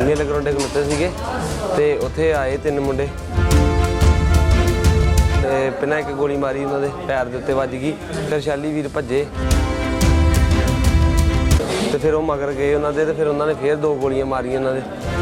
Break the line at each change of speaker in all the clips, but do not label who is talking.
मेले ग्राउंडे खलोते सीगे ते उत्थे आए 3 मुंडे ते पिना एक गोली मारी उन्होंने पैर दे उत्ते वज गई। फिर शैली वीर भज्जे ते फिर वो मगर गए उन्होंने ते फिर उन्होंने फिर 2 गोलियां मारियां उन्होंने।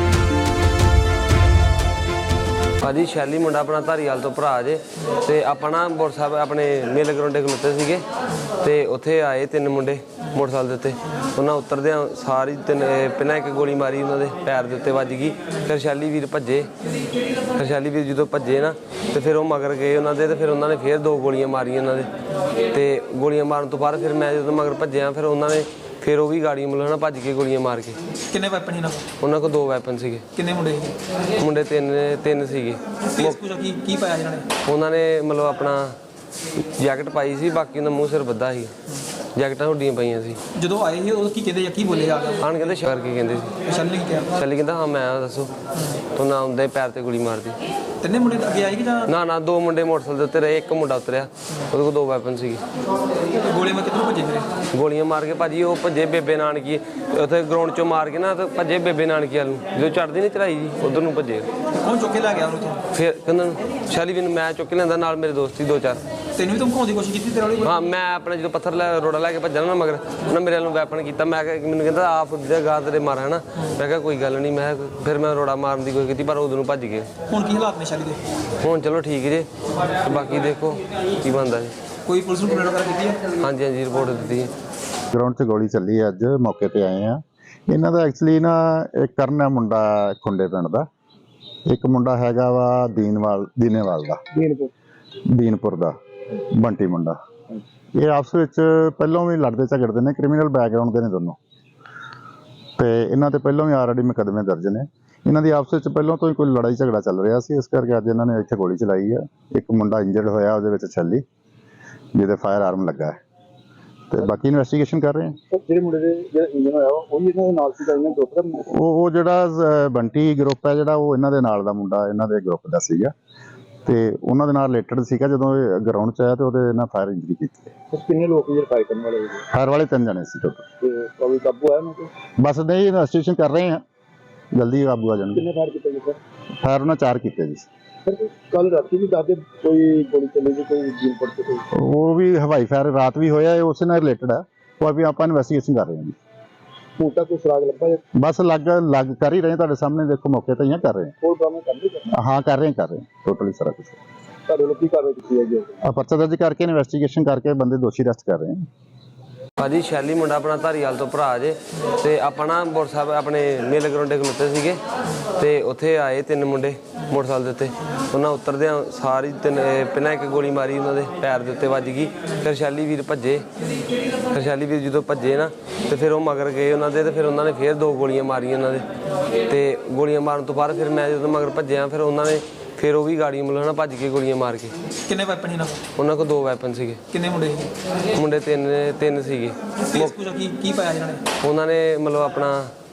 भाजी शैली मुंडा अपना धारीवाल तो भरा जे ते अपना मोटरसाइकिल अपने मेले ग्राउंडे खलोते सीगे ते उत्थे आए 3 मुंडे मोटरसाइकिल दे उत्ते उन्हें उतरदे सारी 3 पिना एक गोली मारी उन्होंने पैर दे उत्ते वज गई। फिर शैली वीर भज्जे फिर शैली वीर जो भज्जे ना तो फिर वो मगर गए उन्होंने ते फिर उन्होंने फिर 2 गोलियां मारियां उन्होंने ते गोलियां मारन तो बाद फिर मैं जो मगर भज्जिया फिर उन्होंने फिर वो भी गाड़ी मतलब ना भज के गोलियां मार के।
किन्ने वैपन ही ना
उन्होंने को 2 वैपन सीगे।
किन्ने मुंडे
मुंडे 3 सीगे।
की पाया जिन्होंने
उन्होंने मतलब अपना जैकेट पाई सी बाकी उन्होंने मूँह सिर बद्धा ही जैकटां हुड्डियां पाइयां सी।
ਜਦੋਂ ਆਏ ਸੀ ਉਹ ਕੀ ਕਹਿੰਦੇ ਜਾਂ ਕੀ ਬੋਲੇ ਆ
ਆਣ ਕਹਿੰਦੇ ਸ਼ਰ ਕੀ ਕਹਿੰਦੇ ਸੀ
ਸ਼ੈਲੀ ਨੇ ਕਿਹਾ
ਸ਼ੈਲੀ ਕਹਿੰਦਾ ਹਾਂ ਮੈਂ ਦੱਸੋ ਤੂੰ ਨਾ ਆਉਂਦੇ ਪੈਰ ਤੇ ਗੋਲੀ ਮਾਰਦੀ।
ਤਿੰਨੇ ਮੁੰਡੇ ਅੱਗੇ ਆਏ ਕਿ ਜਾਂ
ਨਾ 2 ਮੁੰਡੇ ਮੋਟਰਸਾਈਕਲ ਦੇ ਉੱਤੇ ਰਹੇ ਇੱਕ ਮੁੰਡਾ ਉਤਰਿਆ ਉਹਦੇ ਕੋਲ 2 ਵੈਪਨ ਸੀਗੇ।
ਗੋਲੇ ਮਾਰ ਕਿੱਥੋਂ ਭੱਜੇ ਫਿਰ
ਗੋਲੀਆਂ ਮਾਰ ਕੇ ਭਾਜੀ ਉਹ ਭੱਜੇ ਬੇਬੇ ਨਾਨਕੀ ਉੱਥੇ ਗਰਾਊਂਡ ਚੋਂ ਮਾਰ ਕੇ ਨਾ ਤੇ ਭੱਜੇ ਬੇਬੇ ਨਾਨਕੀ ਵੱਲ ਨੂੰ ਜਦੋਂ ਚੜ੍ਹਦੀ ਨਹੀਂ ਚੜਾਈ ਜੀ ਉਧਰ ਨੂੰ ਭੱਜੇ।
ਕੌਣ ਚੁੱਕ ਕੇ ਲੈ ਗਿਆ ਉਹਨੂੰ
ਫਿਰ ਕਹਿੰਦਾ ਸ਼ੈਲੀ ਵੀ ਮੈਂ ਚੁੱਕ ਕੇ ਲਿਆਂਦਾ ਨਾਲ ਮੇਰੇ ਦੋਸਤ ਸੀ 2-4
ਤੈਨੂੰ ਵੀ ਧਮਕਾਉਣ ਦੀ ਕੋਸ਼ਿਸ਼ ਕੀਤੀ ਤੇਰੇ ਵਾਲੀ
ਹਾਂ ਮੈਂ ਆਪਣਾ ਜਦੋਂ ਪੱਥਰ ਰੋੜਾ ਲੈ ਕੇ ਭੱਜਣਾ ਨਾ ਮਗਰ ਉਹਨਾਂ ਮੇਰੇ ਵੱਲ ਨੂੰ ਵੈਪਨ ਕੀਤਾ ਮੈਂ ਮੈਨੂੰ ਕਹਿੰਦਾ ਆ ਫੁੱਟਦਾ ਗਾਂ ਤੇਰੇ ਮਾਰ ਹੈ ਨਾ ਮੈਂ ਕਿਹਾ ਕੋਈ ਗੱਲ ਨਹੀਂ ਮੈਂ ਫਿਰ ਮੈਂ ਰੋੜਾ ਮਾਰਨ ਦੀ ਕੋਈ ਕੀਤੀ ਪਰ ਉਦੋਂ ਨੂੰ ਭੱਜ ਗਏ।
ਹੁਣ ਕੀ ਹਾਲਾਤ ਨੇ ਸ਼ੈਲੀ ਦੇ?
ਹੁਣ ਚਲੋ ਠੀਕ ਜੇ ਬਾਕੀ ਦੇਖੋ ਕੀ ਬਣਦਾ ਜੀ।
ਕੋਈ ਪੁਲਿਸ ਨੂੰ ਕੰਪਲੇਂਟ ਵਗੈਰਾ ਕੀਤੀ ਹੈ?
ਹਾਂਜੀ ਹਾਂਜੀ ਰਿਪੋਰਟ ਦਿੱਤੀ ਹੈ।
ਗਰਾਊਂਡ 'ਚ ਗੋਲੀ ਚੱਲੀ ਹੈ ਅੱਜ ਮੌਕੇ ਤੇ ਆਏ ਆ। ਇਹਨਾਂ ਦਾ ਐਕਚੁਅਲੀ ਨਾ ਇੱਕ ਕਰਨ ਹੈ ਮੁੰਡਾ ਖੁੰਡੇ ਪਿੰਡ ਦਾ ਇੱਕ ਮੁੰਡਾ ਹੈਗਾ ਵਾ ਦੀਨੇਵਾਲ ਦਾ ਦੀਨਪੁਰ ਦਾ ਬੰਟੀ ਮੁੰਡਾ। ਇਹ ਆਪਸ ਵਿੱਚ ਪਹਿਲਾਂ ਵੀ ਲੜਦੇ ਝਗੜਦੇ ਨੇ ਕ੍ਰਿਮੀਨਲ ਬੈਕਗ੍ਰਾਉਂਡ ਦੇ ਨੇ ਦੋਨੋਂ ਤੇ ਇਹਨਾਂ ਤੇ ਪਹਿਲਾਂ ਵੀ ਆਲਰੇਡੀ ਮੁਕੱਦਮੇ ਦਰਜ ਨੇ। ਇਹਨਾਂ ਦੀ ਆਪਸ ਵਿੱਚ ਪਹਿਲਾਂ ਤੋਂ ਹੀ ਕੋਈ ਲੜਾਈ ਝਗੜਾ ਚੱਲ ਰਿਹਾ ਸੀ ਇਸ ਕਰਕੇ ਅੱਜ ਇਹਨਾਂ ਨੇ ਇੱਥੇ ਗੋਲੀ ਚਲਾਈ ਹੈ। ਇੱਕ ਮੁੰਡਾ ਇੰਜਰਡ ਹੋਇਆ ਉਹਦੇ ਵਿੱਚ ਛੱਲੀ ਜਿਹਦੇ ਫਾਇਰ ਆਰਮ ਲੱਗਾ ਹੈ ਤੇ ਬਾਕੀ ਇਨਵੈਸਟੀਗੇਸ਼ਨ ਕਰ ਰਹੇ ਹਾਂ।
ਜਿਹੜੇ ਮੁੰਡੇ ਦੇ ਜਿਹੜਾ ਇੰਜਨ ਹੋਇਆ ਉਹ ਵੀ ਇਹਨਾਂ ਦੇ ਨਾਲ ਸੀ ਤਾਂ ਇਹਨਾਂ ਗਰੁੱਪ ਦਾ
ਉਹ ਜਿਹੜਾ ਬੰਟੀ ਗਰੁੱਪ ਹੈ ਜਿਹੜਾ ਉਹ ਇਹਨਾਂ ਦੇ ਨਾਲ ਦਾ ਮੁੰਡਾ ਇਹਨਾਂ ਦੇ ਗਰੁੱਪ ਦਾ ਸੀਗਾ ਤੇ ਉਹਨਾਂ ਦੇ ਨਾਲ ਰਿਲੇਟਡ ਸੀਗਾ। ਜਦੋਂ ਇਹ ਗਰਾਊਂਡ 'ਚ ਆਇਆ ਤੇ ਉਹਦੇ ਨਾਲ ਫਾਇਰ ਇੰਜਰੀ ਕੀਤੀ।
ਕਿੰਨੇ ਲੋਕ ਜਿਹੜੇ ਫਾਇਰ ਕਰਨ ਵਾਲੇ ਸੀ?
ਫਾਇਰ ਵਾਲੇ 3 ਜਣੇ ਸੀ ਟੋਟਲ।
ਤੇ ਕੋਈ ਕਾਬੂ ਆਇਆ ਉਹਨਾਂ ਤੇ?
ਬਸ ਨਹੀਂ ਇਨਵੈਸਟੀਗੇਸ਼ਨ ਕਰ ਰਹੇ ਹਾਂ ਜਲਦੀ ਕਾਬੂ ਆ ਜਾਣਗੇ।
ਕਿੰਨੇ ਫਾਇਰ ਕੀਤੇ ਜੀ ਸਰ?
ਫਾਇਰ ਉਹਨਾਂ 4 ਕੀਤੇ ਜੀ।
ਸਰ ਕੱਲ ਰਾਤੀ ਵੀ ਦੱਸਦੇ ਕੋਈ ਗੋਲੀ ਚੱਲੀ ਸੀ ਕੋਈ ਜੀਨ ਪੜ ਕੇ ਕੋਈ
ਉਹ ਵੀ ਹਵਾਈ ਫਾਇਰ ਰਾਤ ਵੀ ਹੋਇਆ ਉਸੇ ਨਾਲ ਰਿਲੇਟਡ ਹੈ ਉਹ ਵੀ ਆਪਾਂ ਇਨਵੈਸਟੀਗੇਸ਼ਨ ਕਰ ਰਹੇ ਹਾਂ ਜੀ।
ਹੁਣ ਤੱਕ ਕੋਈ ਸੁਰਾਗ ਲੱਭਾ ਜਾਂ
ਬਸ ਲੱਗ ਕਰ ਹੀ ਰਹੇ ਤੁਹਾਡੇ ਸਾਹਮਣੇ ਦੇਖੋ ਮੌਕੇ ਤੇ ਹੀ ਕਰ ਰਹੇ
ਹੋਰ ਕੰਮ ਕਰਦੇ
ਹਾਂ ਕਰ ਰਹੇ ਟੋਟਲੀ ਸਾਰਾ ਕੁਝ।
ਤੁਹਾਡੇ ਲੋਕ ਕੀ ਕਾਰਵਾਈ ਕੀਤੀ ਹੈ ਜੀ?
ਪਰਚਾ ਦਰਜ ਕਰਕੇ ਇਨਵੈਸਟੀਗੇਸ਼ਨ ਕਰਕੇ ਬੰਦੇ ਦੋਸ਼ੀ ਅਰੈਸਟ ਕਰ ਰਹੇ ਹਾਂ।
ਭਾਜੀ ਸ਼ੈਲੀ ਮੁੰਡਾ ਆਪਣਾ ਧਾਰੀਵਾਲ ਤੋਂ ਭਰਾ ਜੇ ਤੇ ਆਪਣਾ ਮੋਟਰਸਾਈਕਲ ਆਪਣੇ ਮੇਲੇ ਗਰਾਊਂਡੇ ਖਲੋਤੇ ਸੀਗੇ ਤੇ ਉੱਥੇ ਆਏ 3 ਮੁੰਡੇ ਮੋਟਰਸਾਈਕਲ ਦੇ ਉੱਤੇ ਉਹਨਾਂ ਉਤਰਦੇ ਸਾਰੀ 3 ਪਿਨਾ ਇੱਕ ਗੋਲੀ ਮਾਰੀ ਉਹਨਾਂ ਦੇ ਪੈਰ ਦੇ ਉੱਤੇ ਵੱਜ ਗਈ। ਫਿਰ ਸ਼ੈਲੀ ਵੀਰ ਭੱਜੇ ਫਿਰ ਸ਼ੈਲੀ ਵੀਰ ਜਦੋਂ ਭੱਜੇ ਨਾ ਤੇ ਫਿਰ ਉਹ ਮਗਰ ਗਏ ਉਹਨਾਂ ਦੇ ਤੇ ਫਿਰ ਉਹਨਾਂ ਨੇ ਫਿਰ 2 ਗੋਲੀਆਂ ਮਾਰੀਆਂ ਉਹਨਾਂ ਦੇ ਤੇ ਗੋਲੀਆਂ ਮਾਰਨ ਤੋਂ ਬਾਅਦ ਫਿਰ ਮੈਂ ਜਦੋਂ ਮਗਰ ਭੱਜਿਆ ਫਿਰ ਉਹਨਾਂ ਨੇ ਫਿਰ ਉਹ ਵੀ ਗਾੜੀ ਮਤਲਬ ਨਾ ਭੱਜ ਕੇ ਗੋਲੀਆਂ ਮਾਰ ਕੇ।
ਕਿੰਨੇ ਵੈਪਨ ਹੀ ਨਾ
ਉਹਨਾਂ ਕੋਲ 2 ਵੈਪਨ ਸੀਗੇ।
ਕਿੰਨੇ ਮੁੰਡੇ
ਮੁੰਡੇ 3 ਸੀਗੇ।
ਕੀ ਪਾਇਆ ਜਿन्होंने?
ਉਹਨਾਂ ਨੇ ਮਤਲਬ ਆਪਣਾ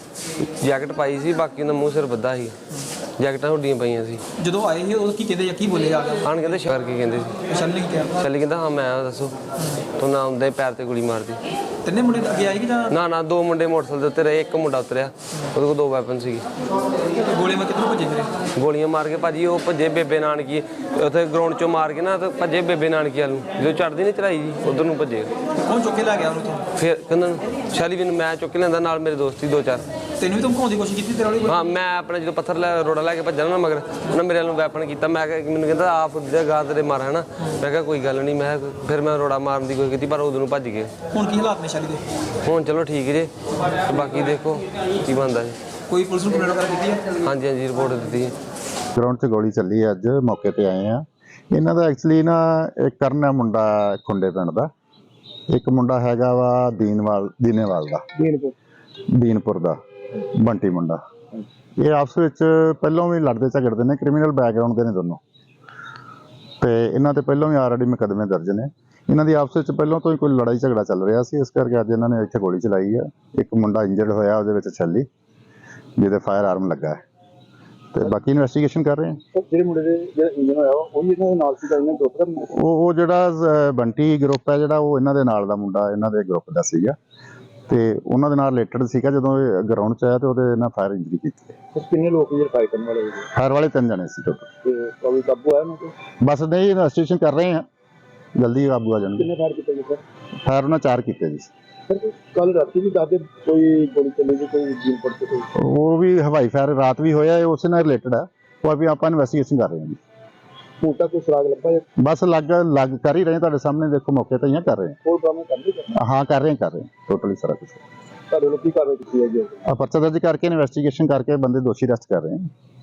ਜੈਕਟ ਪਾਈ ਸੀ ਬਾਕੀ ਉਹਨਾਂ ਮੂੰਹ ਸਿਰ ਬੱਧਾ ਸੀ ਜੈਕਟਾਂ ਹੁੱਡੀਆਂ ਪਾਈਆਂ ਸੀ।
ਜਦੋਂ ਆਏ ਸੀ ਉਹ ਕੀ ਕਹਿੰਦੇ ਜਾਂ ਕੀ ਬੋਲੇ ਆ
ਆਣ ਕਹਿੰਦੇ ਸ਼ਰ ਕੀ ਕਹਿੰਦੇ ਸੀ
ਸ਼ੈਲੀ ਨੇ ਕਿਹਾ
ਸ਼ੈਲੀ ਕਹਿੰਦਾ ਹਾਂ ਮੈਂ ਦੱਸੋ ਤੂੰ ਨਾ ਆਉਂਦੇ ਪੈਰ ਤੇ ਗੋਲੀ ਮਾਰਦੀ।
ਤਿੰਨੇ ਮੁੰਡੇ ਅੱਗੇ ਆਏ ਕਿ ਜਾਂ
ਨਾ 2 ਮੁੰਡੇ ਮੋਟਰਸਾਈਕਲ ਦੇ ਉੱਤੇ ਰਹੇ ਇੱਕ ਮੁੰਡਾ ਉਤਰਿਆ ਉਹਦੇ ਕੋਲ 2 ਵੈਪਨ ਸੀਗੇ।
ਗੋਲੇ ਮਾਰ ਕਿੱਥੋਂ ਭੱਜੇ ਫਿਰ
ਗੋਲੀਆਂ ਮਾਰ ਕੇ ਭਾਜੀ ਉਹ ਭੱਜੇ ਬੇਬੇ ਨਾਨਕੀ ਉੱਥੇ ਗਰਾਊਂਡ ਚੋਂ ਮਾਰ ਕੇ ਨਾ ਤੇ ਭੱਜੇ ਬੇਬੇ ਨਾਨਕੀ ਵੱਲ ਨੂੰ ਜਦੋਂ ਚੜ੍ਹਦੀ ਨਹੀਂ ਚੜਾਈ ਜੀ ਉਧਰ ਨੂੰ ਭੱਜੇ।
ਕੌਣ ਚੁੱਕ ਕੇ ਲੈ ਗਿਆ ਉਹਨੂੰ?
ਫਿਰ ਕਹਿੰਦਾ ਸ਼ੈਲੀ ਵੀ ਮੈਂ ਚੁੱਕ ਕੇ ਲਿਆਂਦਾ ਨਾਲ ਮੇਰੇ ਦੋਸਤ ਸੀ 2-4।
ਤੈਨੂੰ ਵੀ ਧਮਕਾਉਣ ਦੀ ਕੋਸ਼ਿਸ਼ ਕੀਤੀ ਤੇਰੇ ਵਾਲੀ
ਹਾਂ ਮੈਂ ਆਪਣਾ ਜਦੋਂ ਪੱਥਰ ਰੋੜਾ ਲੈ ਕੇ ਭੱਜਣਾ ਨਾ ਮਗਰ ਉਹਨਾਂ ਮੇਰੇ ਵੱਲ ਨੂੰ ਵੈਪਨ ਕੀਤਾ ਮੈਂ ਮੈਨੂੰ ਕਹਿੰਦਾ ਆ ਫੁੱਟਦਾ ਗਾਂ ਤੇਰੇ ਮਾਰ ਹੈ ਨਾ ਮੈਂ ਕਿਹਾ ਕੋਈ ਗੱਲ ਨਹੀਂ ਮੈਂ ਫਿਰ ਮੈਂ ਰੋੜਾ ਮਾਰਨ ਦੀ ਕੋਈ ਕੀਤੀ ਪਰ ਉਦੋਂ ਨੂੰ ਭੱਜ ਗਏ।
ਹੁਣ ਕੀ ਹਾਲਾਤ ਨੇ ਸ਼ੈਲੀ ਦੇ?
ਹੁਣ ਚਲੋ ਠੀਕ ਜੇ ਬਾਕੀ ਦੇਖੋ ਕੀ ਬਣਦਾ ਜੀ।
ਕੋਈ ਪੁਲਿਸ ਨੂੰ ਕੰਪਲੇਂਟ ਵਗੈਰਾ ਕੀਤੀ ਹੈ?
ਹਾਂਜੀ ਹਾਂਜੀ ਰਿਪੋਰਟ ਦਿੱਤੀ ਹੈ।
ਗਰਾਊਂਡ 'ਚ ਗੋਲੀ ਚੱਲੀ ਹੈ ਅੱਜ ਮੌਕੇ ਤੇ ਆਏ ਆ। ਇਹਨਾਂ ਦਾ ਐਕਚੁਅਲੀ ਨਾ ਇੱਕ ਕਰਨ ਹੈ ਮੁੰਡਾ ਖੁੰਡੇ ਪਿੰਡ ਦਾ ਇੱਕ ਮੁੰਡਾ ਹੈਗਾ ਵਾ ਦੀਨੇਵਾਲ ਦਾ ਦੀਨਪੁਰ ਦਾ ਬੰਟੀ ਮੁੰਡਾ। ਇਹ ਆਪਸ ਵਿੱਚ ਪਹਿਲਾਂ ਵੀ ਲੜਦੇ ਝਗੜਦੇ ਨੇ ਕ੍ਰਿਮੀਨਲ ਬੈਕਗ੍ਰਾਉਂਡ ਦੇ ਨੇ ਦੋਨੋਂ ਤੇ ਇਹਨਾਂ ਤੇ ਪਹਿਲਾਂ ਵੀ ਆਲਰੇਡੀ ਮੁਕੱਦਮੇ ਦਰਜ ਨੇ। ਇਹਨਾਂ ਦੀ ਆਪਸ ਵਿੱਚ ਪਹਿਲਾਂ ਤੋਂ ਹੀ ਕੋਈ ਲੜਾਈ ਝਗੜਾ ਚੱਲ ਰਿਹਾ ਸੀ ਇਸ ਕਰਕੇ ਅੱਜ ਇਹਨਾਂ ਨੇ ਇੱਥੇ ਗੋਲੀ ਚਲਾਈ ਹੈ। ਇੱਕ ਮੁੰਡਾ ਇੰਜਰਡ ਹੋਇਆ ਉਹਦੇ ਵਿੱਚ ਛੱਲੀ ਜਿਹਦੇ ਫਾਇਰ ਆਰਮ ਲੱਗਾ ਹੈ ਤੇ ਬਾਕੀ ਇਨਵੈਸਟੀਗੇਸ਼ਨ ਕਰ ਰਹੇ ਹਾਂ।
ਜਿਹੜੇ ਮੁੰਡੇ ਦੇ ਜਿਹੜਾ ਇੰਜਨ ਹੋਇਆ ਉਹ ਵੀ ਇਹਨਾਂ ਦੇ ਨਾਲ ਸੀ ਤਾਂ ਇਹਨਾਂ ਗਰੁੱਪ ਦਾ
ਉਹ ਜਿਹੜਾ ਬੰਟੀ ਗਰੁੱਪ ਹੈ ਜਿਹੜਾ ਉਹ ਇਹਨਾਂ ਦੇ ਨਾਲ ਦਾ ਮੁੰਡਾ ਇਹਨਾਂ ਦੇ ਗਰੁੱਪ ਦਾ ਸੀਗਾ ਤੇ ਉਹਨਾਂ ਦੇ ਨਾਲ ਰਿਲੇਟਡ ਸੀਗਾ। ਜਦੋਂ ਇਹ ਗਰਾਊਂਡ 'ਚ ਆਇਆ ਤੇ ਉਹਦੇ ਨਾਲ ਫਾਇਰ ਇੰਜਰੀ ਕੀਤੀ।
ਤੇ ਕਿੰਨੇ ਲੋਕ ਜਿਹੜੇ ਫਾਇਰ ਕਰਨ ਵਾਲੇ ਸੀ
ਫਾਇਰ ਵਾਲੇ 3 ਜਣੇ ਸੀ ਟੋਟਲ।
ਤੇ ਕੋਈ ਕਾਬੂ ਆਇਆ ਉਹਨਾਂ ਤੇ?
ਬਸ ਨਹੀਂ, ਇਨਵੈਸਟੀਗੇਸ਼ਨ ਕਰ ਰਹੇ ਆ, ਜਲਦੀ ਕਾਬੂ ਆ ਜਾਣਗੇ।
ਕਿੰਨੇ ਫਾਇਰ ਕੀਤੇ ਜੀ ਸਰ?
ਫਾਇਰ ਉਹਨਾਂ 4 ਕੀਤੇ ਜੀ।
ਸਰ ਕੱਲ ਰਾਤੀ ਵੀ ਦੱਸਦੇ ਕੋਈ ਗੋਲੀ ਚੱਲੀ ਸੀ ਕੋਈ ਦੀਨਪੁਰ ਤੇ ਕੋਈ?
ਉਹ ਵੀ ਹਵਾਈ ਫਾਇਰ ਰਾਤ ਵੀ ਹੋਇਆ, ਇਹ ਉਸੇ ਨਾਲ ਰਿਲੇਟਡ ਹੈ। ਉਹ ਵੀ ਆਪਾਂ ਇਨਵੈਸਟੀਗੇਸ਼ਨ ਕਰ ਰਹੇ ਹਾਂ ਜੀ।
ਹੁਣ ਤੱਕ ਕੋਈ ਸੁਰਾਗ ਲੱਭਾ ਜਾਂ
ਬਸ ਲੱਗ ਕਰ ਹੀ ਰਹੇ, ਤੁਹਾਡੇ ਸਾਹਮਣੇ ਦੇਖੋ, ਮੌਕੇ ਤੇ ਹੀ ਆ, ਕਰ ਰਹੇ
ਹੋਰ ਡਰਾਮੇ ਕਰਦੇ
ਹਾਂ। ਹਾਂ ਕਰ ਰਹੇ ਟੋਟਲੀ ਸਾਰਾ ਕੁਝ।
ਤੁਹਾਡੇ ਲੋਕ ਕੀ ਕਾਰਵਾਈ ਕੀਤੀ ਹੈ ਜੀ?
ਆ ਪਰਚਾ ਦਰਜ ਕਰਕੇ ਇਨਵੈਸਟੀਗੇਸ਼ਨ ਕਰਕੇ ਬੰਦੇ ਦੋਸ਼ੀ ਅਰੈਸਟ ਕਰ ਰਹੇ ਹਾਂ।